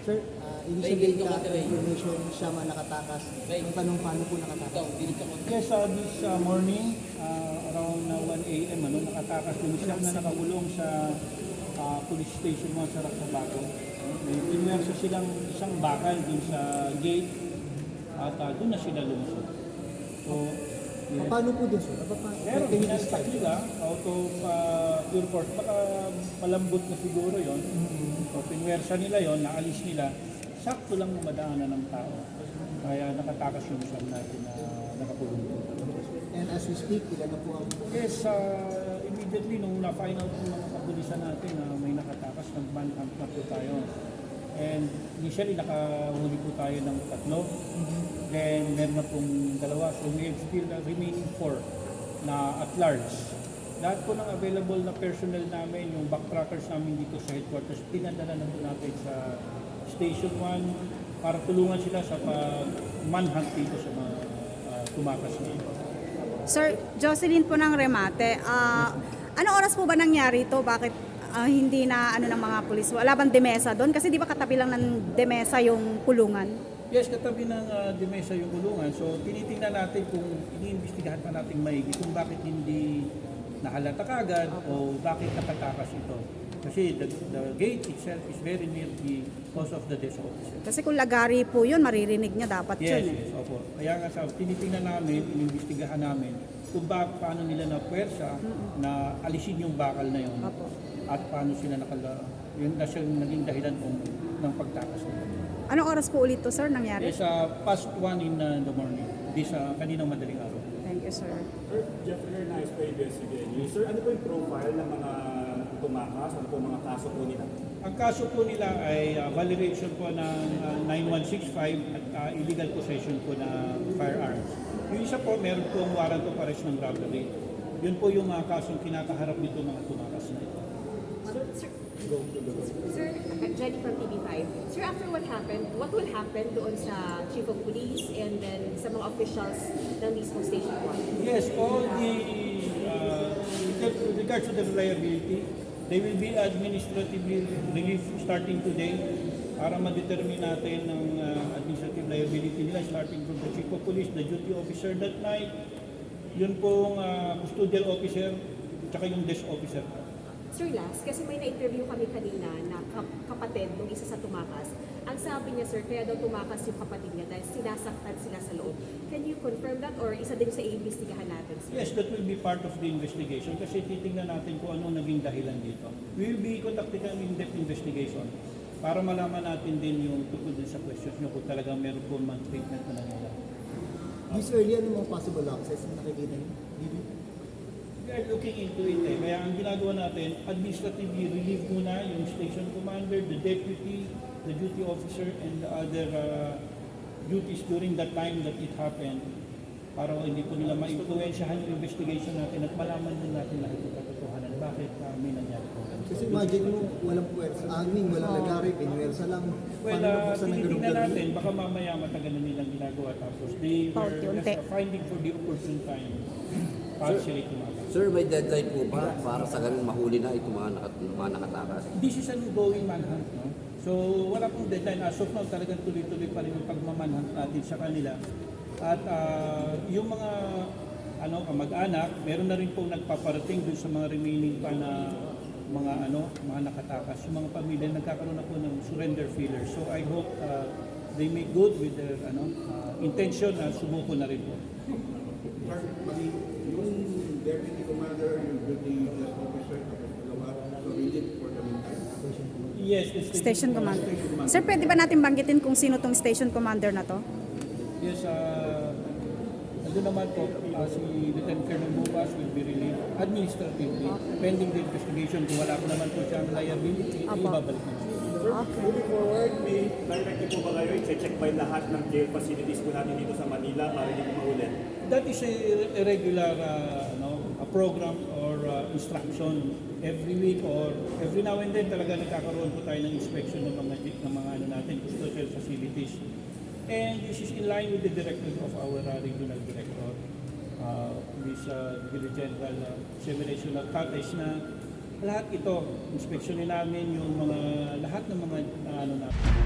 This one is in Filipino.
Sir, initially information siya man nakatakas. Ang tanong, paano po nakatakas? Yes, this morning, around 1 a.m., nakatakas din siya na nakakulong sa police station mga sa Raksabaco. May pinwersa silang isang bakal dun sa gate at doon na sila lumusot. So, yes. Paano po din, sir? Pero hinastak nila out of pure force. Baka malambot na siguro yon. So, pinwersa nila yon, naalis nila. Sakto lang madaanan ng tao. Kaya nakatakas yung isang natin na nakakulong. And as we speak, ilan na po ang... Yes, immediately nung na-find out ng mga kapulisan natin na may nakatakas, nag-manhunt na po tayo. And initially, nakahuli po tayo ng 3. Then, meron na pong 2. So, we have still remaining 4 na at large. Lahat po ng available na personnel namin, yung backtrackers namin dito sa headquarters, pinadala na po natin sa Station 1 para tulungan sila sa pag-manhunt dito sa mga tumakas na ito. Sir, Jocelyn po ng Remate, ano oras po ba nangyari ito? Bakit hindi na ng mga pulis? Wala bang demesa doon? Kasi di ba katabi lang ng demesa yung kulungan? Yes, katabi ng demesa yung kulungan. So, tinitingnan natin kung iniimbestigahan pa natin maigi kung bakit hindi nahalata kagad o bakit nakatakas ito. Kasi the gate itself is very near the house of the desk officer. Kasi kung lagari po yun, maririnig niya dapat Yes, yun. yes, opo. Kaya nga sa tinitingnan namin, inimbestigahan namin kung paano nila na puwersa na alisin yung bakal na yun. Opo. At paano sila yun na siyang naging dahilan ng pagtakas nila. Anong oras po ulit to, sir, nangyari? Yes, past 1 in the morning. This kaninang madaling araw. Thank you, sir. Sir, Jeffrey Hernandez pa ABS-CBN. Sir, ano po yung profile ng mga tumakas? Ano po mga kaso po nila? Ang kaso po nila ay violation po ng 9165 at illegal possession po na firearms. Yung isa po, meron po ang warrant of arrest ng robbery. Yun po yung mga kasong kinakaharap nito mga tumakas na ito. Sir, Jenny from TV5. Sir, after what will happen doon sa Chief of Police and then sa mga officials ng mismo Station 1? Yes, all the, with regards to the reliability, they will be administratively relieved starting today para ma-determine natin ng administrative liability nila starting from the Chief of Police, the duty officer that night, yun pong custodial officer, tsaka yung desk officer. Sir, last, kasi may na-interview kami kanina na kapatid ng isa sa tumakas. Ang sabi niya, sir, kaya daw tumakas yung kapatid niya dahil sinasaktan sila sa loob. Can you confirm that or isa din sa iimbestigahan natin, sir? Yes, that will be part of the investigation kasi titingnan natin kung ano naging dahilan dito. We will be conducting an in-depth investigation para malaman natin din yung tungkol din sa questions nyo kung talagang meron po man treatment na nangyayari. This early, ano mga possible access na nakikita niyo? We are looking into it Kaya ang ginagawa natin, administratively relieve muna yung station commander, the deputy, the duty officer, and the other duties during that time that it happened para hindi po nila ma-influensyahan yung investigation natin at malaman din natin lahat yung katotohanan. Bakit may nangyari po? Kasi imagine mo, walang puwersa, walang lagari, pinuwersa lang. Well, tinitingnan natin, baka mamaya matagal na nilang ginagawa tapos they were just finding for the opportune time partially tumakas. Sir, may deadline po ba para sa ganung mahuli na itong mga nakatakas? This is an ongoing manhunt, no? So, wala pong deadline. As of now, talagang tuloy-tuloy pa rin yung pagmamanhunt natin sa kanila. At yung mga kamag-anak, meron na rin pong nagpaparating dun sa mga remaining pa na mga nakatakas. Yung mga pamilya nagkakaroon na po ng surrender feelers. So, I hope they make good with their intention na sumuko na rin po. Yung deputy commander, yung duty officer, tapos dalawa, rigid for the meantime. Yes, Station Commander. Sir, pwede ba natin banggitin kung sino tong Station Commander na to? Yes, nandun naman po, si Lieutenant Colonel Bubas will be relieved administratively. Pending the investigation, kung wala po naman po siyang liability, ibabalik na siya. Sir, moving forward, may directive po ba kayo i-check by lahat ng jail facilities po natin dito sa Manila para hindi po maulit? That is a regular a program or instruction every week or every now and then talaga nagkakaroon po tayo ng inspection ng mga natin, custodial facilities. And this is in line with the directive of our regional director, Brigadier General Severation Alcates, na lahat ito, inspeksyonin namin yung lahat ng mga natin.